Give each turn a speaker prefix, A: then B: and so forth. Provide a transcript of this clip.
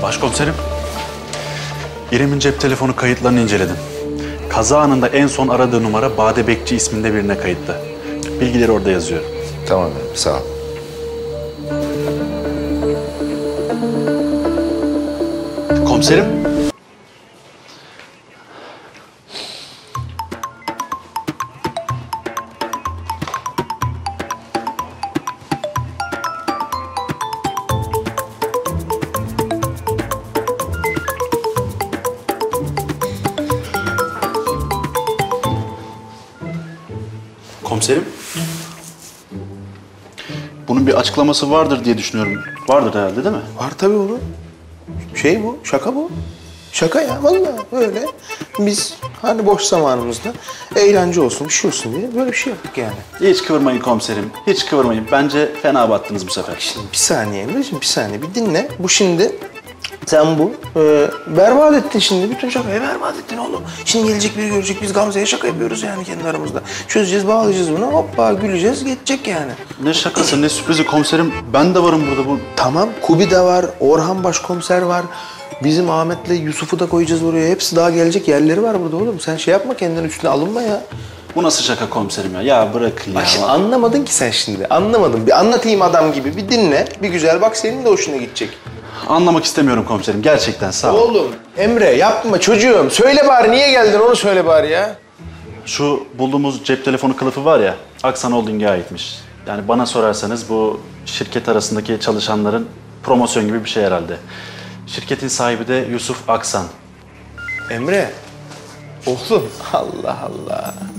A: Başkomiserim, İrem'in cep telefonu kayıtlarını inceledim. Kaza anında en son aradığı numara Bade Bekçi isminde birine kayıtlı. Bilgileri orada yazıyor.
B: Tamam efendim, sağ ol.
A: Komiserim. Komiserim. Bunun bir açıklaması vardır diye düşünüyorum. Vardır herhalde değil mi?
C: Var tabii oğlum. Şey bu, şaka bu. Şaka ya, vallahi öyle. Biz hani boş zamanımızda eğlence olsun, bir şey olsun diye böyle bir şey yaptık yani.
A: Hiç kıvırmayın komiserim. Hiç kıvırmayın. Bence fena battınız bu sefer.
C: Şimdi bir saniye Emre'ciğim, bir saniye bir dinle. Bu şimdi, sen bu berbat ettin şimdi. Bütün şakayı berbat ettin oğlum. Şimdi gelecek biri görecek, biz Gamze'ye şaka yapıyoruz yani kendi aramızda. Çözeceğiz, bağlayacağız bunu, hoppa güleceğiz, geçecek yani.
A: Ne şakası, ne sürprizi komiserim. Ben de varım burada bu.
C: Tamam, Kubi de var, Orhan başkomiser var. Bizim Ahmet'le Yusuf'u da koyacağız oraya. Hepsi daha gelecek yerleri var burada oğlum. Sen şey yapma, kendinin üstüne alınma ya.
A: Bu nasıl şaka komiserim ya? Ya bırakın ya.
C: Bak şimdi anlamadın ki sen şimdi. Anlamadın. Bir anlatayım adam gibi. Bir dinle. Bir güzel bak, senin de hoşuna gidecek.
A: Anlamak istemiyorum komiserim. Gerçekten sağ ol.
C: Oğlum Emre yapma çocuğum. Söyle bari, niye geldin onu söyle bari ya.
A: Şu bulduğumuz cep telefonu kılıfı var ya, Aksan Holding'e aitmiş. Yani bana sorarsanız bu şirket arasındaki çalışanların promosyon gibi bir şey herhalde. Şirketin sahibi de Yusuf Aksan.
C: Emre. Oğlum Allah Allah.